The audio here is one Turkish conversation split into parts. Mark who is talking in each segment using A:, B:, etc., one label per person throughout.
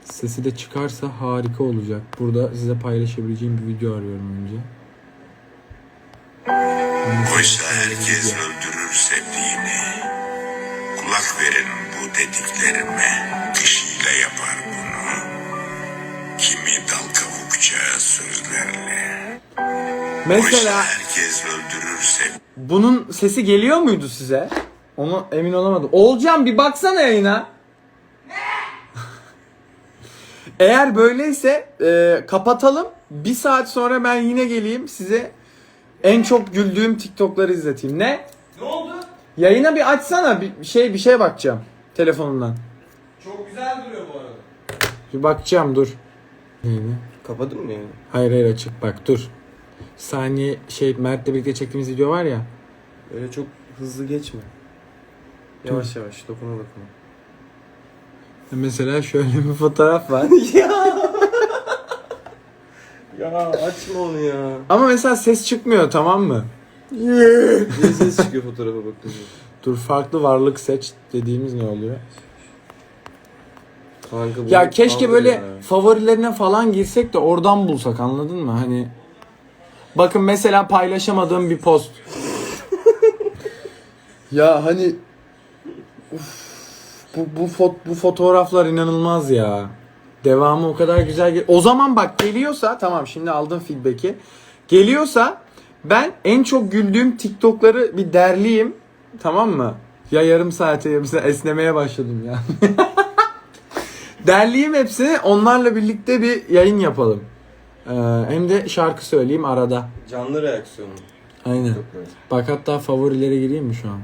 A: Sesi de çıkarsa harika olacak. Burada size paylaşabileceğim bir video arıyorum önce.
B: Oysa herkes öldürür sevdiğini. Kulak verin bu dediklerime. Kişiyle yapar bunu. Kimi dal kavukça sözlerle.
A: Mesela
B: Oysa herkes öldürür sevdiğini.
A: bunun sesi geliyor muydu size? Onu emin olamadım. Oğulcan bir baksana yayına. Eğer böyleyse kapatalım. Bir saat sonra ben yine geleyim size en çok güldüğüm TikTok'ları izleteyim. Ne?
C: Ne oldu?
A: Yayına bir açsana, bir şeye bakacağım telefonundan.
C: Çok güzel duruyor bu arada.
A: Bir bakacağım, dur. Neyini?
C: Kapadın mı yani?
A: Hayır açık, bak dur. Saniye Mert'le birlikte çektiğimiz video var ya.
C: Öyle çok hızlı geçme. Yavaş yavaş dokuna dokuna.
A: Mesela şöyle bir fotoğraf var.
C: Ya açma onu ya.
A: Ama mesela ses çıkmıyor, tamam mı?
C: Niye ses çıkıyor fotoğrafa bakınca?
A: Dur, farklı varlık seç dediğimiz ne oluyor?
C: Kanka bu
A: Ya keşke
C: kaldır
A: böyle
C: ya.
A: favorilerine falan girsek de oradan bulsak, anladın mı? Hani bakın mesela paylaşamadığım bir post. Ya hani bu fotoğraflar inanılmaz ya. Devamı o kadar güzel. O zaman bak, geliyorsa tamam, şimdi aldım feedback'i. Geliyorsa ben en çok güldüğüm TikTok'ları bir derleyeyim. Tamam mı? Ya yarım saate esnemeye başladım ya. Derleyeyim hepsini, onlarla birlikte bir yayın yapalım. Hem de şarkı söyleyeyim arada.
C: Canlı reaksiyonu.
A: Aynen.
C: Çok güzel.
A: Bak hatta favorilere gireyim mi şu an?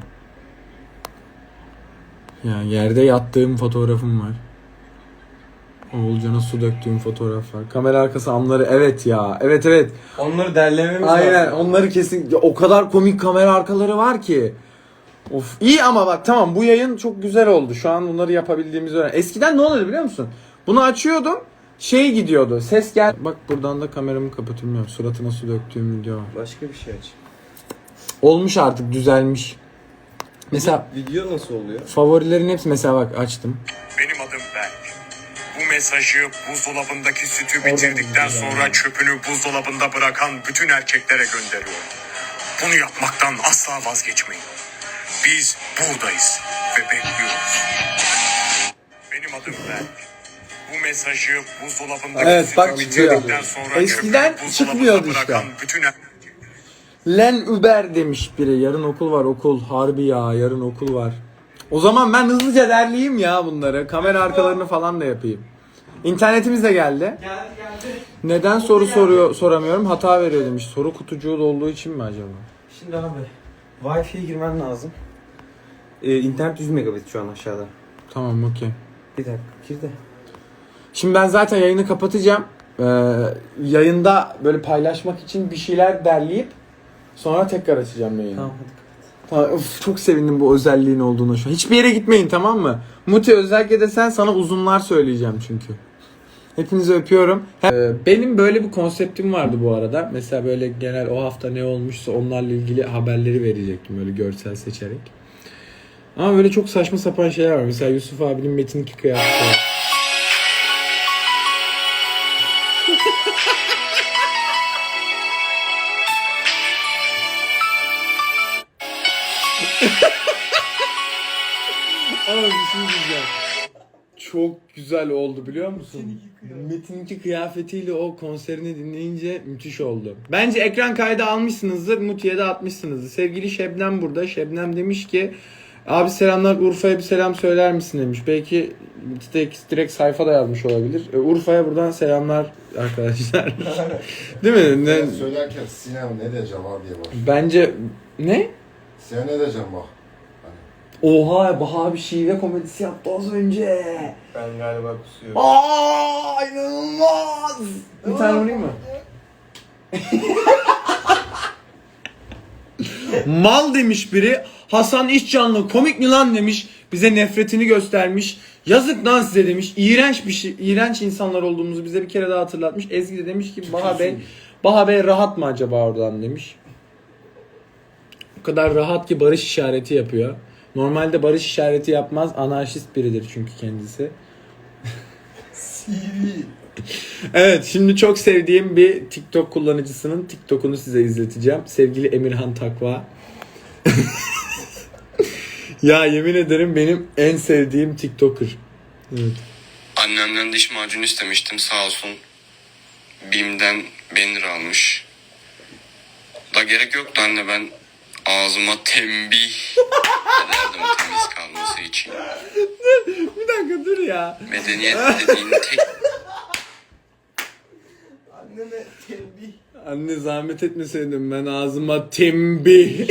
A: Yani yerde yattığım fotoğrafım var. Oğulcan'a su döktüğüm fotoğraf var. Kamera arkası anları, evet ya. Evet.
C: Onları derlememiz
A: Aynen,
C: lazım.
A: onları kesin. Ya, o kadar komik kamera arkaları var ki. Of, iyi ama bak tamam, bu yayın çok güzel oldu. Şu an bunları yapabildiğimizi öğren. Eskiden ne oluyordu biliyor musun? Bunu açıyordum. Gidiyordu. Ses gel. Bak buradan da kameramı kapatıyorum. Suratına su döktüğüm video var.
C: Başka bir şey aç.
A: Olmuş artık, düzelmiş. Mesela
C: Video nasıl oluyor?
A: favorilerin hepsi, mesela bak açtım.
B: Benim adım Berk. Bu mesajı buzdolabındaki sütü bitirdikten sonra çöpünü buzdolabında bırakan bütün erkeklere gönderiyorum. Bunu yapmaktan asla vazgeçmeyin. Biz buradayız ve bekliyoruz. Benim adım Berk. Bu mesajı buzdolabındaki
A: Evet, bak
B: sütü
A: çıkıyor.
B: bitirdikten sonra
A: Eskiden
B: çöpünü
A: çıkmıyordu
B: buzdolabında
A: işte.
B: bırakan bütün
A: Len Uber demiş biri. Yarın okul var, okul. Harbi ya, yarın okul var. O zaman ben hızlıca derleyeyim ya bunları. Kamera arkalarını falan da yapayım. İnternetimiz de geldi.
C: Geldi.
A: Neden soramıyorum, hata veriyor demiş. Soru kutucuğu olduğu için mi acaba?
C: Şimdi abi Wi-Fi'ye girmen lazım. İnternet 100 megabit şu an aşağıda.
A: Tamam, okey.
C: Bir dakika gir de.
A: Şimdi ben zaten yayını kapatacağım. Yayında böyle paylaşmak için bir şeyler derleyip sonra tekrar açacağım yayını.
C: Tamam hadi kapat.
A: Tamam, of, çok sevindim bu özelliğin olduğuna şu an. Hiçbir yere gitmeyin, tamam mı? Muti, özellikle de sana uzunlar söyleyeceğim çünkü. Hepinizi öpüyorum. Benim böyle bir konseptim vardı bu arada. Mesela böyle genel o hafta ne olmuşsa onlarla ilgili haberleri verecektim böyle görsel seçerek. Ama böyle çok saçma sapan şeyler var. Mesela Yusuf abinin Metin 2 kıyafeti var. Ama bir şey diyeceğim. Çok güzel oldu biliyor musun? Metin 2 kıyafetiyle o konserini dinleyince müthiş oldu. Bence ekran kaydı almışsınızdır, Muti'ye de atmışsınızdır. Sevgili Şebnem burada. Şebnem demiş ki abi selamlar, Urfa'ya bir selam söyler misin demiş. Belki direkt sayfada yazmış olabilir. Urfa'ya buradan selamlar arkadaşlar. Değil mi?
D: Ben söylerken Sinem ne diyeceğim abi diye bak.
A: Bence ne?
D: Sinem ne diyeceğim bak.
A: Oha, Baha bir şive komedisi yaptı az önce.
C: Ben galiba kusuyorum.
A: Aa, inanılmaz. Bir tane vurayım mı? Mal demiş biri. Hasan İşcanlı komik mi lan demiş. Bize nefretini göstermiş. Yazık lan size demiş. İğrenç bir şey, iğrenç insanlar olduğumuzu bize bir kere daha hatırlatmış. Ezgi de demiş ki Baha Bey rahat mı acaba oradan demiş. O kadar rahat ki barış işareti yapıyor. Normalde barış işareti yapmaz. Anarşist biridir çünkü kendisi. Evet, şimdi çok sevdiğim bir TikTok kullanıcısının TikTok'unu size izleteceğim. Sevgili Emirhan Takva. Ya yemin ederim benim en sevdiğim TikToker. Evet.
E: Annemden diş macunu istemiştim, sağ olsun. BİM'den 1000 lira almış. Da gerek yoktu anne, ben ağzıma tembih ederdim temiz kalması için.
A: Bir dakika dur ya.
E: Medeniyet dediğin tek
A: Anne zahmet etmeseydin ben ağzıma tembih.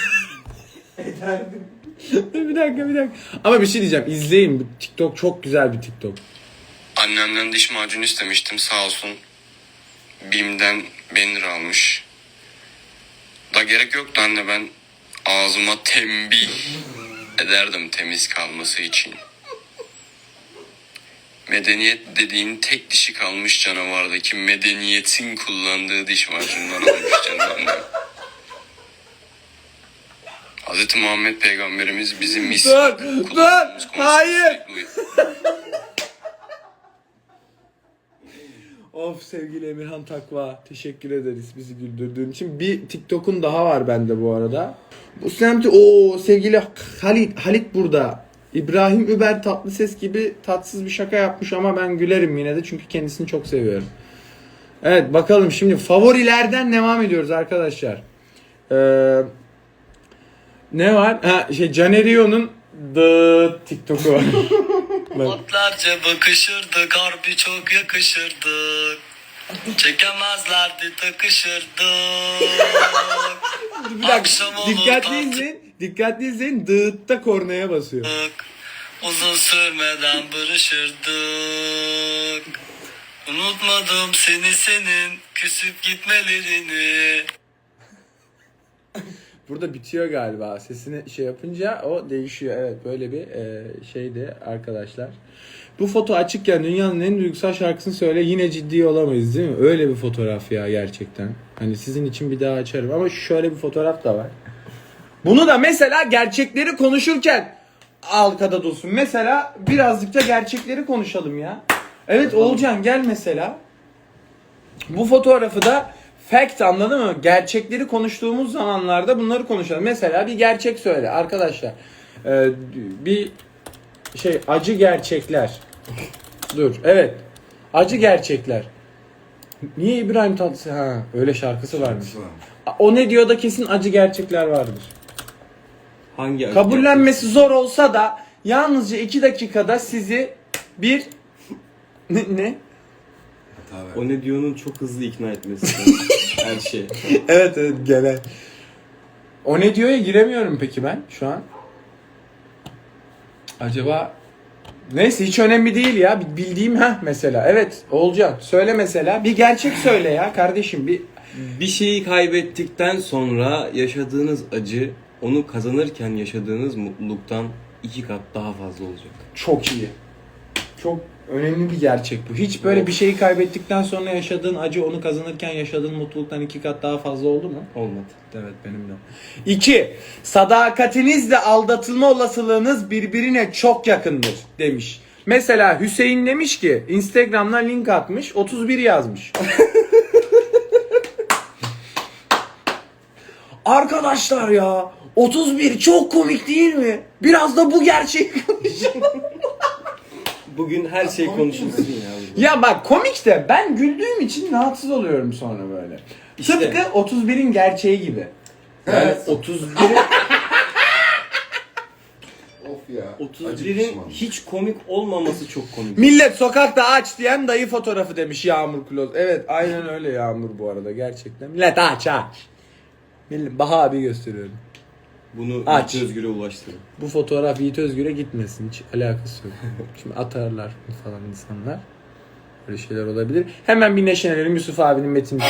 A: bir dakika. Ama bir şey diyeceğim. İzleyin. Bu TikTok çok güzel bir TikTok.
E: Annemden diş macunu istemiştim, sağ olsun. BİM'den 1000 lira almış. Da gerek yoktu anne, ben ağzıma tembih ederdim temiz kalması için. Medeniyet dediğin tek dişi kalmış canavardaki medeniyetin kullandığı diş macunundan almış canım annem. Hz. Muhammed Peygamberimiz bizim kullandığımız
A: hayır.
E: sürekli
A: Of sevgili Emirhan Takva. Teşekkür ederiz bizi güldürdüğün için. Bir TikTok'un daha var bende bu arada. Bu semti sevgili Halit burada. İbrahim Über Tatlıses gibi tatsız bir şaka yapmış ama ben gülerim yine de çünkü kendisini çok seviyorum. Evet bakalım şimdi favorilerden devam ediyoruz arkadaşlar. Ne var? Canerio'nun The TikTok'u var.
F: Otlarca bakışırdık, harbi çok yakışırdık. Çekemezlerdi, takışırdık.
A: Bir dakika,
F: Akşam olur
A: dikkatli izleyin. Dığıtta kornaya basıyor.
F: Uzun sürmeden barışırdık. Unutmadım seni, senin küsüp gitmelerini.
A: Burada bitiyor galiba. Sesini şey yapınca o değişiyor. Evet böyle bir şeydi arkadaşlar. Bu foto açıkken dünyanın en duygusal şarkısını söyle yine ciddi olamayız değil mi? Öyle bir fotoğraf ya gerçekten. Hani sizin için bir daha açarım ama şöyle bir fotoğraf da var. Bunu da mesela gerçekleri konuşurken arkada dursun. Mesela birazcık da gerçekleri konuşalım ya. Evet Oğulcan gel mesela. Bu fotoğrafı da fact anladın mı? Gerçekleri konuştuğumuz zamanlarda bunları konuşalım. Mesela bir gerçek söyle arkadaşlar. Bir acı gerçekler. Dur evet. Acı gerçekler. Niye İbrahim Tatlıses? Ha öyle şarkısı varmış. O ne diyor da kesin acı gerçekler vardır.
C: Hangi acı
A: Kabullenmesi zor olsa da yalnızca 2 dakikada sizi bir ne?
C: O ne diyor'nun çok hızlı ikna etmesi. Her şey.
A: Evet genel. O ne diyor'ya giremiyorum peki ben şu an. Acaba neyse hiç önemli değil ya. Bildiğim mesela. Evet Oğulcan söyle mesela. Bir gerçek söyle ya kardeşim.
C: Bir şeyi kaybettikten sonra yaşadığınız acı onu kazanırken yaşadığınız mutluluktan 2 kat daha fazla olacak.
A: Çok iyi. Çok önemli bir gerçek bu. Hiç böyle bir şeyi kaybettikten sonra yaşadığın acı onu kazanırken yaşadığın mutluluktan 2 kat daha fazla oldu mu?
C: Olmadı.
A: Evet benim de. 2. Sadakatinizle aldatılma olasılığınız birbirine çok yakındır demiş. Mesela Hüseyin demiş ki Instagram'dan link atmış 31 yazmış. Arkadaşlar ya 31 çok komik değil mi? Biraz da bu gerçeği konuşalım.
C: Bugün her şey konuşulsun ya.
A: Ya bak komik de ben güldüğüm için rahatsız oluyorum sonra böyle.
C: İşte.
A: Tıpkı 31'in gerçeği gibi.
C: Yani 31'in
D: Of ya. Acı
C: 31'in
D: pişman.
C: hiç komik olmaması çok komik.
A: Millet sokakta aç diyen dayı fotoğrafı demiş Yağmur Kloz. Evet aynen öyle Yağmur bu arada gerçekten. Millet aç. Millet Baha abi gösteriyorum.
C: Bunu
A: Aç.
C: Yiğit Özgür'e ulaştırın.
A: Bu fotoğraf Yiğit Özgür'e gitmesin. Hiç alakası yok. Şimdi atarlar falan insanlar. Böyle şeyler olabilir. Hemen bir neşelenelim Yusuf abinin metin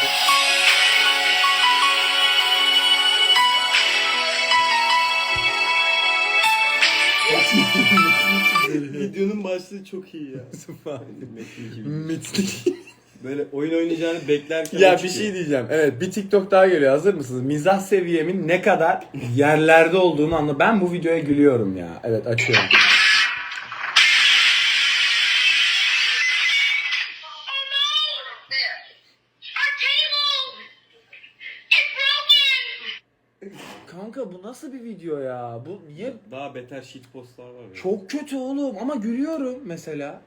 C: Videonun başlığı çok iyi ya.
A: Yusuf abi.
C: Metin gibi.
A: Metin.
C: Böyle oyun oynayacağını beklerken
A: Ya
C: o
A: bir
C: çıkıyor.
A: şey diyeceğim. Evet bir TikTok daha geliyor. Hazır mısınız? Mizah seviyemin ne kadar yerlerde olduğunu anla. Ben bu videoya gülüyorum ya. Evet açıyorum. Kanka bu nasıl bir video ya? Bu niye?
C: Daha beter shitpostlar var ya.
A: Çok kötü oğlum ama gülüyorum mesela.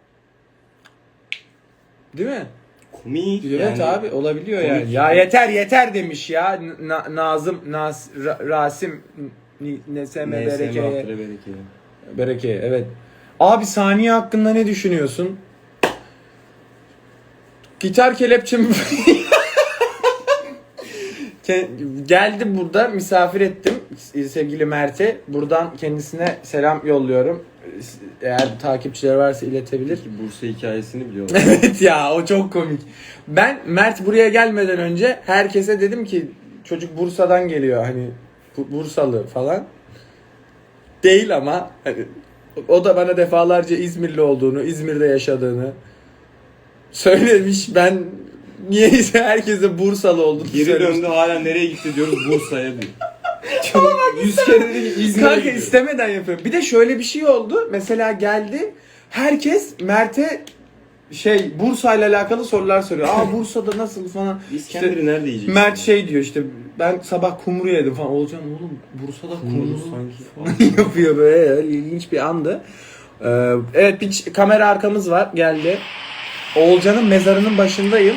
A: Değil mi?
C: komik.
A: Evet
C: yani.
A: abi olabiliyor
C: komik.
A: yani. Ya yeter demiş ya. Nazım, Rasim, NSM, Bereke'ye. Bereke evet. Abi saniye hakkında ne düşünüyorsun? Gitar kelepçem geldi burada misafir ettim sevgili Mert'e. Buradan kendisine selam yolluyorum. Eğer takipçileri varsa iletebilir.
C: Peki Bursa hikayesini biliyorlar.
A: Evet ya o çok komik. Ben Mert buraya gelmeden önce herkese dedim ki çocuk Bursa'dan geliyor hani Bursalı falan. Değil ama hani, o da bana defalarca İzmirli olduğunu, İzmir'de yaşadığını söylemiş. Ben niyeyse herkese Bursalı olduğunu
C: Geri
A: söylemiştim.
C: döndü hala nereye gitti diyoruz Bursa'ya diyor. Çok 100 kere dedi ki İzmir'e
A: Kanka
C: gidiyor.
A: istemeden yapıyorum. Bir de şöyle bir şey oldu. Mesela geldi. Herkes Mert'e Bursa ile alakalı sorular soruyor. Aa Bursa'da nasıl falan.
C: İskender'i nerede yiyeceksin?
A: Mert diyor işte ben sabah kumru yedim falan. Olcan oğlum Bursa'da kumru
C: sanki.
A: yapıyor böyle. İlginç bir andı. Evet bir kamera arkamız var. Geldi. Oğulcan'ın mezarının başındayım.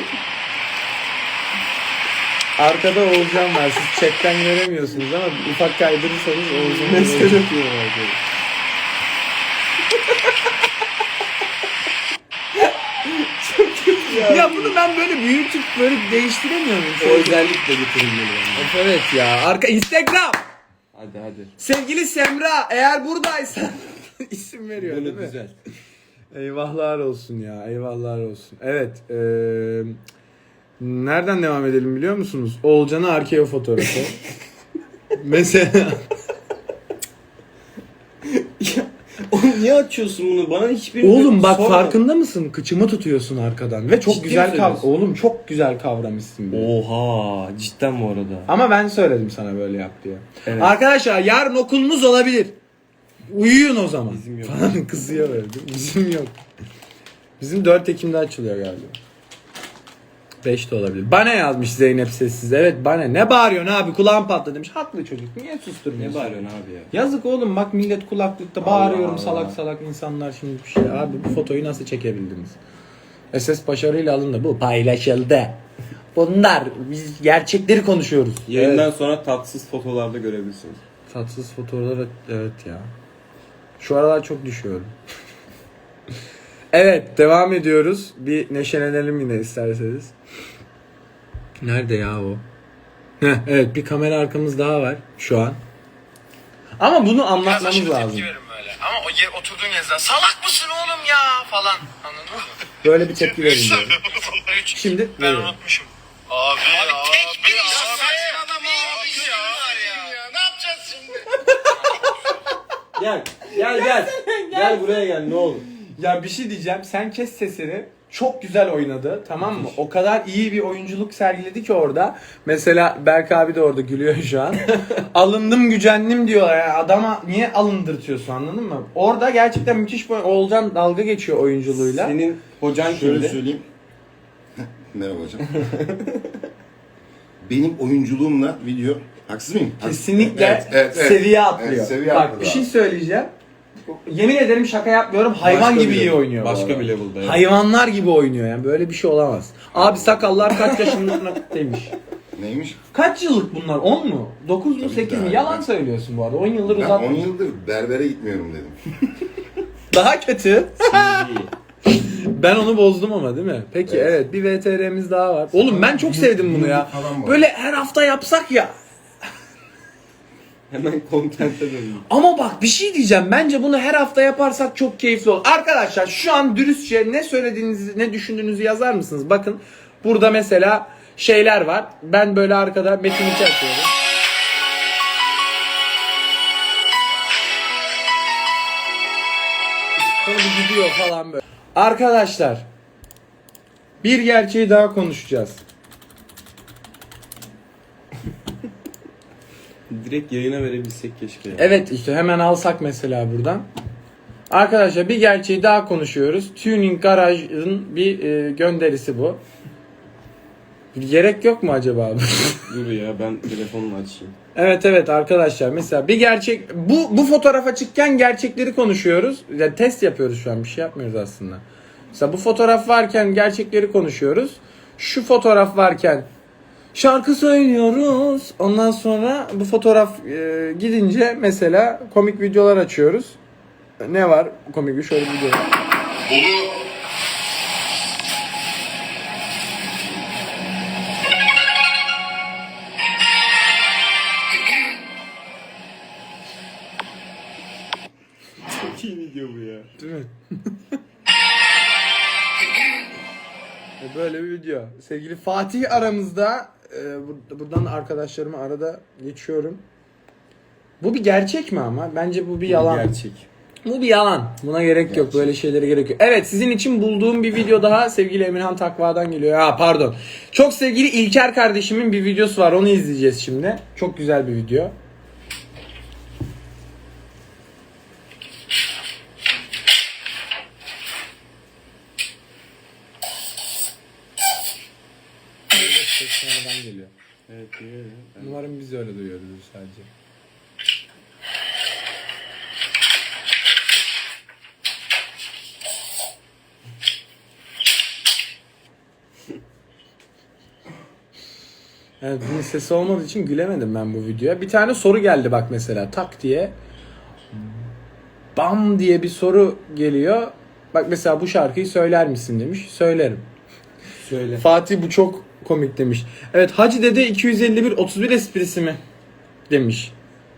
A: Arkada Oğulcan var. Siz chatten göremiyorsunuz ama ufak kaydırırsanız Oğulcan'ın
C: Mesaj atıyorlar arkadaşlar.
A: Ya bunu ben böyle büyütüp böyle değiştiremiyor muyum?
C: O özellikle getirilmeli bence.
A: Evet ya. Instagram.
C: Hadi.
A: Sevgili Semra eğer buradaysan isim veriyor değil
C: Böyle
A: mi?
C: güzel.
A: Eyvahlar olsun ya. Eyvahlar olsun. Evet. Nereden devam edelim biliyor musunuz? Oğulcan'ın arkeo fotoğrafı. Mesela
C: Oğlum niye açıyorsun bunu? Bana hiçbirini
A: oğlum bak
C: sorma.
A: farkında mısın? Kıçımı tutuyorsun arkadan ve çok
C: Ciddi
A: güzel
C: mi söylüyorsun?
A: oğlum çok güzel kavramışsın beni.
C: Oha cidden bu arada.
A: Ama ben söyledim sana böyle yap diye.
C: Evet.
A: Arkadaşlar yarın okulunuz olabilir. Uyuyun o zaman.
C: Bizim yok.
A: Falan kızıyor böyle. Değil mi? Bizim yok. Bizim 4 Ekim'de açılıyor galiba. 5 de olabilir. Bana yazmış Zeynep sessiz. Evet bana. Ne bağırıyorsun abi? Kulağım patladı demiş. Haklı çocuk. Niye
C: Ne
A: susturmuyorsun?
C: bağırıyorsun abi ya?
A: Yazık oğlum bak millet kulaklıkta
C: Allah
A: bağırıyorum
C: Allah.
A: salak salak insanlar şimdi bir şey. Abi bu fotoyu nasıl çekebildiniz? SS başarıyla alındı. Bu paylaşıldı. Bunlar biz gerçekleri konuşuyoruz.
C: Yayından
A: Evet.
C: sonra tatsız fotolarda görebilirsiniz.
A: Tatsız fotoğraflar evet ya. Şu aralar çok düşüyorum. Evet devam ediyoruz. Bir neşelenelim yine isterseniz. Nerede ya o? Heh, evet bir kamera arkamız daha var şu an. Ama bunu anlatmamız lazım.
B: Böyle. Ama oturduğun yerden salak mısın oğlum ya falan. Anladın mı?
A: Böyle bir tepki verin diyorum. Şimdi
B: Ben
A: veriyorum.
B: unutmuşum. Abi tek bir iş saçmalama abi ya. Ne yapacağız şimdi?
C: Gel buraya gel ne olur.
A: Ya bir şey diyeceğim. Sen kes sesini. Çok güzel oynadı. Tamam mı? O kadar iyi bir oyunculuk sergiledi ki orada. Mesela Berk abi de orada gülüyor şu an. Alındım gücendim diyorlar. Yani adama niye alındırtıyorsun anladın mı? Orada gerçekten müthiş bir Oğulcan dalga geçiyor oyunculuğuyla.
C: Senin hocan
D: Şöyle
C: kimdi?
D: söyleyeyim. Merhaba hocam. Benim oyunculuğumla video haksız mıyım?
A: Kesinlikle
D: Evet.
A: seviye atlıyor.
D: Evet, seviye
A: Bak
D: atladı
A: bir şey
D: abi.
A: söyleyeceğim. Yemin ederim şaka yapmıyorum. Hayvan
C: Başka
A: gibi
C: bir
A: iyi
C: level.
A: oynuyor. bu
C: Başka
A: arada.
C: bir level'da ya.
A: Hayvanlar gibi oynuyor yani. Böyle bir şey olamaz. Abi sakallar kaç yaşındaymış?
D: Neymiş?
A: Kaç yıllık bunlar? 10 mu? 9 mu?
D: Tabii
A: 8 mi?
D: ki.
A: Yalan söylüyorsun bu arada. 10 yıldır
D: Ben
A: uzatmış.
D: 10 yıldır berbere gitmiyorum dedim.
A: Daha kötü.
C: İyi.
A: Ben onu bozdum ama değil mi? Peki evet,
D: Evet.
A: bir VTR'miz daha var. Oğlum ben çok sevdim bunu ya.
D: Falan var.
A: Böyle her hafta yapsak ya.
C: Hemen content'e döndüm.
A: Ama bak bir şey diyeceğim. Bence bunu her hafta yaparsak çok keyifli olur. Arkadaşlar şu an dürüstçe ne söylediğinizi, ne düşündüğünüzü yazar mısınız? Bakın burada mesela şeyler var. Ben böyle arkada Metin 2 açıyorum. Sonra bir gidiyor falan böyle. Arkadaşlar bir gerçeği daha konuşacağız.
C: Direkt yayına verebilsek keşke ya.
A: Evet işte hemen alsak mesela buradan. Arkadaşlar bir gerçeği daha konuşuyoruz. Tuning Garaj'ın bir gönderisi bu. Gerek yok mu acaba?
C: Dur ya ben telefonla açayım.
A: Evet arkadaşlar, mesela bir gerçek bu fotoğrafa çıkken gerçekleri konuşuyoruz. Yani test yapıyoruz şu an, bir şey yapmıyoruz aslında. Mesela bu fotoğraf varken gerçekleri konuşuyoruz. Şu fotoğraf varken şarkı söylüyoruz. Ondan sonra bu fotoğraf gidince mesela komik videolar açıyoruz. Ne var komik bir şöyle bir video var.
C: Çok iyi video bu ya.
A: Değil mi? Böyle bir video. Sevgili Fatih aramızda. Buradan arkadaşlarıma arada geçiyorum. Bu bir gerçek mi ama? Bence bu bir yalan.
C: Gerçek.
A: Bu bir yalan. Buna gerek yok. Böyle şeylere gerek yok. Evet, sizin için bulduğum bir video daha sevgili Emirhan Takva'dan geliyor. Ha pardon. Çok sevgili İlker kardeşimin bir videosu var. Onu izleyeceğiz şimdi. Çok güzel bir video. Ses sonradan geliyor.
C: Evet, iyi.
A: Umarım biz öyle duyuyoruz sadece. Evet, bunun sesi olmadığı için gülemedim ben bu videoya. Bir tane soru geldi bak mesela, tak diye. Bam diye bir soru geliyor. Bak mesela bu şarkıyı söyler misin demiş. Söylerim.
C: Söyle.
A: Fatih bu çok komik demiş. Evet, Hacı Dede 251 31 esprisi mi demiş.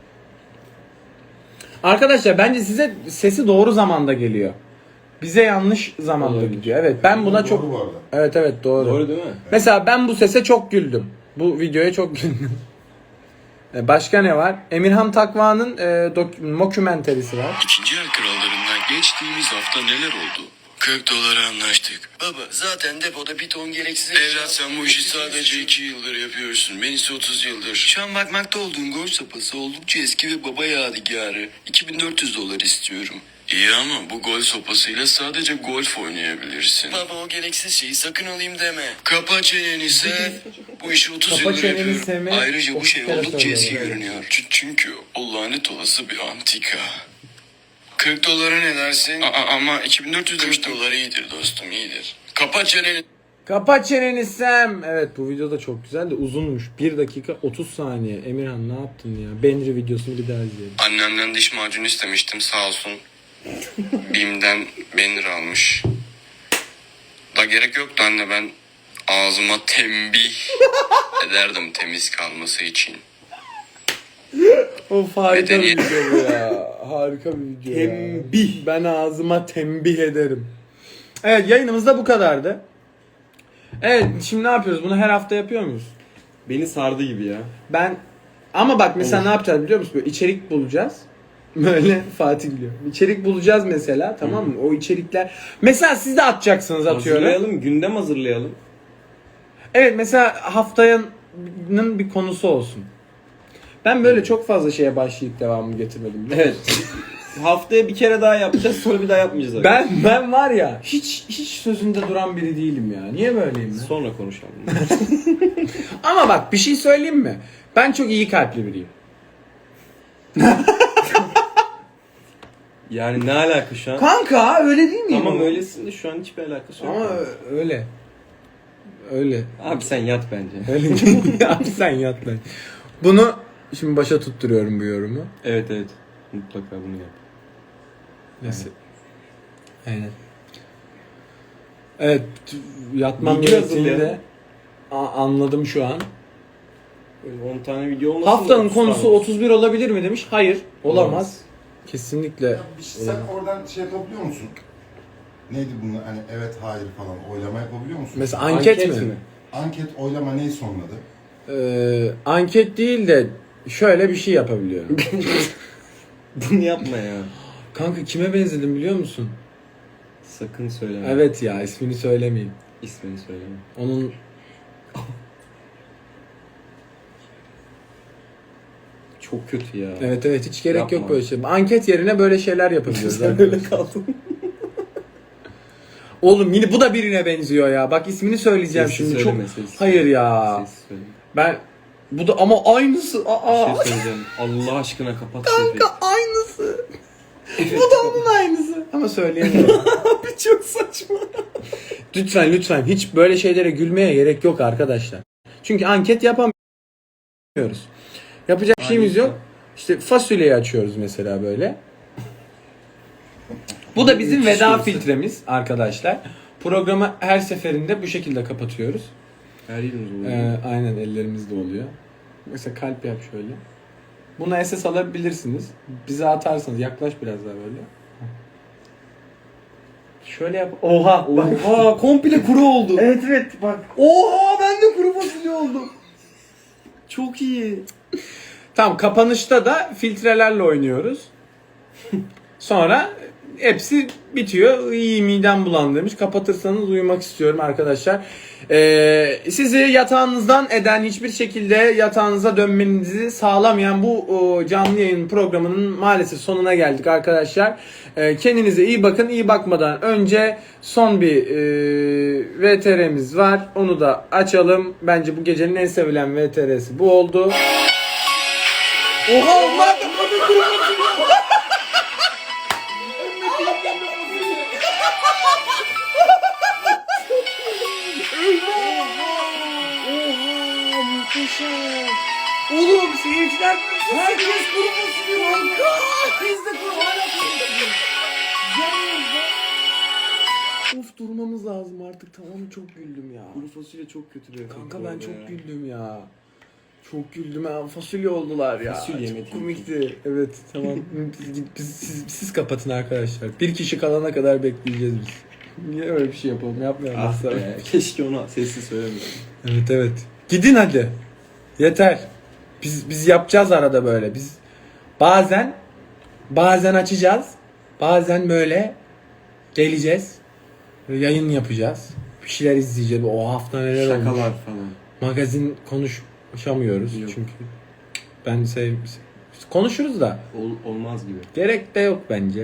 A: Arkadaşlar bence size sesi doğru zamanda geliyor. Bize yanlış zamanda
C: Olabilir.
A: gidiyor. Evet, ben buna
D: Doğru
A: çok
D: bu arada.
A: Evet doğru.
C: Doğru değil mi?
A: Mesela ben bu sese çok güldüm. Bu videoya çok güldüm. Başka ne var? Emirhan Takva'nın mockumentary'si var.
E: İkinci el krallarından geçtiğimiz hafta neler oldu? 40 dolara anlaştık. Baba zaten depoda bir ton gereksiz... Evlat sen bu işi sadece 2 yıldır yapıyorsun. Ben ise 30 yıldır. Şu an bakmakta olduğun golf sopası oldukça eski ve baba yadigarı. 2400 dolar istiyorum. İyi ama bu golf sopasıyla sadece golf oynayabilirsin. Baba o gereksiz şeyi sakın alayım deme. Kapa çeneni sen. Bu işi 30
A: Kapa
E: yıldır
A: çeneni
E: yapıyorum.
A: sevmek
E: Ayrıca bu
A: 30
E: şey
A: kere
E: oldukça
A: söylüyorum,
E: eski
A: evet.
E: görünüyor. Çünkü o lanet olası bir antika. 40 dolara ne dersin? Ama 2400 demiştim. 40 dolar iyidir dostum, iyidir. Kapa çeneni.
A: Kapa çeneni Sam. Evet, bu video da çok güzel de uzunmuş. 1 dakika 30 saniye. Emirhan ne yaptın ya? Benri videosunu bir daha izleyelim.
E: Annemden diş macunu istemiştim, sağ olsun. Bim'den Benir almış. Da gerek yoktu anne, ben ağzıma tembih ederdim temiz kalması için.
A: Of, harika bir
E: Medeniyet.
A: video bu ya. Harika bir video
C: Tembih.
A: ya. Ben ağzıma tembih ederim. Evet, yayınımız da bu kadardı. Evet, şimdi ne yapıyoruz? Bunu her hafta yapıyor muyuz?
C: Beni sardı gibi ya.
A: Ama bak mesela ne yapacağız biliyor musun? Böyle içerik bulacağız. Böyle Fatih biliyor. İçerik bulacağız mesela, tamam mı? O içerikler. Mesela siz de atacaksınız, atıyorum.
C: Hazırlayalım, gündem hazırlayalım.
A: Evet, mesela haftanın bir konusu olsun. Ben böyle çok fazla şeye başlayıp devamını getirmedim.
C: Evet. Haftaya bir kere daha yapacağız, sonra bir daha yapmayacağız abi.
A: Ben var ya hiç sözünde duran biri değilim ya. Niye böyleyim ben?
C: Sonra konuşalım.
A: Ama bak bir şey söyleyeyim mi? Ben çok iyi kalpli biriyim.
C: Yani ne alaka şu an?
A: Kanka öyle değil miyim?
C: Tamam öylesin de şu an hiçbir alakası yok.
A: Ama öyle. Öyle.
C: Abi sen yat bence.
A: Öyle. Abi sen yat lan. Bunu şimdi başa tutturuyorum bu yorumu.
C: Evet. Mutlaka bunu yap.
A: Nasıl? Aynen. Evet, yatmam
C: Video
A: gerektiğini
C: hazırlayalım.
A: de anladım şu an.
C: Böyle 10 tane video olmasın.
A: Haftanın
C: da
A: konusu 31 olabilir mi demiş. Hayır, olamaz. Kesinlikle.
D: Ya sen oradan şey yapabiliyor musun? Neydi bunlar? Hani evet hayır falan oylama yapabiliyor musun?
A: Mesela anket, mi?
D: Anket oylama neyi sonladı?
A: Anket değil de şöyle bir şey yapabiliyorum.
C: Bunu yapma ya.
A: Kanka kime benzedim biliyor musun?
C: Sakın söyleme.
A: Evet ya, ismini söylemeyeyim.
C: İsmini söyleme.
A: Onun
C: Çok kötü ya.
A: evet hiç gerek
C: Yapma.
A: yok böyle şey. Anket yerine böyle şeyler yapabiliyoruz
C: Sen öyle
A: arkadaşlar.
C: kaldın.
A: Oğlum yine bu da birine benziyor ya. Bak ismini söyleyeceğim
C: Sessiz
A: şimdi.
C: söyleme,
A: Çok
C: sessiz.
A: hayır ya.
C: Sessiz söyleme.
A: Ben Bu da ama aynısı.
C: Bir
A: Aa.
C: şey söyleyeceğim. Allah aşkına kapat
A: Kanka aynısı. Bu da onun aynısı. Ama söyleyemiyorum.
C: Abi çok saçma.
A: Lütfen hiç böyle şeylere gülmeye gerek yok arkadaşlar. Çünkü anket yapamıyoruz. Yapacak bir şeyimiz yok. İşte fasulyeyi açıyoruz mesela böyle. Bu da bizim veda filtremiz arkadaşlar. Programı her seferinde bu şekilde kapatıyoruz.
C: Her yerimiz oluyor.
A: Aynen ellerimizde oluyor. Mesela kalp yap şöyle. Buna SS alabilirsiniz. Bize atarsanız yaklaş biraz daha böyle. Şöyle yap. Oha.
C: Oha komple kuru oldu.
A: Evet bak.
C: Oha ben de kuru fasulye oldum. Çok iyi.
A: Tamam, kapanışta da filtrelerle oynuyoruz. Sonra hepsi bitiyor. İyi, midem bulandırmış. Kapatırsanız uyumak istiyorum arkadaşlar. Sizi yatağınızdan eden, hiçbir şekilde yatağınıza dönmenizi sağlamayan bu canlı yayın programının maalesef sonuna geldik arkadaşlar. Kendinize iyi bakın. İyi bakmadan önce son bir VTR'miz var. Onu da açalım. Bence bu gecenin en sevilen VTR'si bu oldu. Oha onlar da oğlum seyirciler herkes kuru fasulye kanka. Biz de kuru hala kuru fasulye. Of durmamız lazım artık, tamam, çok güldüm ya.
C: Kuru fasulye çok kötü bir
A: Kanka ben çok güldüm ya. Çok güldüm ha. Fasulye oldular ya.
C: Fasulye
A: çok
C: yemedik.
A: komikti. Evet tamam. Siz kapatın arkadaşlar. Bir kişi kalana kadar bekleyeceğiz biz. Niye öyle bir şey yapalım? Yapmayalım.
C: Ah
A: asla.
C: be, keşke ona sessiz söylemiyordum.
A: Evet. Gidin hadi. Yeter. Biz yapacağız arada böyle. Biz bazen açacağız. Bazen böyle geleceğiz. Yayın yapacağız. Bir şeyler izleyeceğiz. O hafta neler olmuş.
C: Şakalar falan.
A: Magazin konuşamıyoruz
C: Yok.
A: çünkü ben konuşuruz da
C: Olmaz gibi.
A: gerek de yok bence.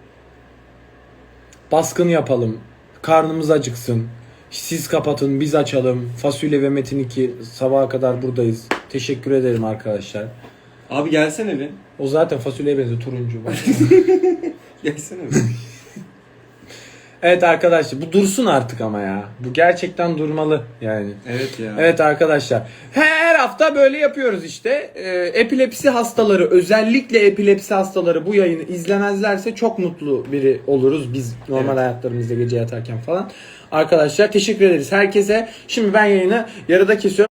A: Baskın yapalım. Karnımız acıksın. Siz kapatın, biz açalım. Fasulye ve Metin 2 sabaha kadar buradayız. Teşekkür ederim arkadaşlar.
C: Abi gelsene bir.
A: O zaten fasulyeye benziyor, turuncu.
C: Gelsene bir.
A: Evet arkadaşlar, bu dursun artık ama ya. Bu gerçekten durmalı yani.
C: Evet ya.
A: Evet arkadaşlar. Her hafta böyle yapıyoruz işte. Epilepsi hastaları, özellikle epilepsi hastaları bu yayını izlemezlerse çok mutlu biri oluruz biz normal hayatlarımızda gece yatarken falan. Arkadaşlar teşekkür ederiz herkese. Şimdi ben yayını yarıda kesiyorum.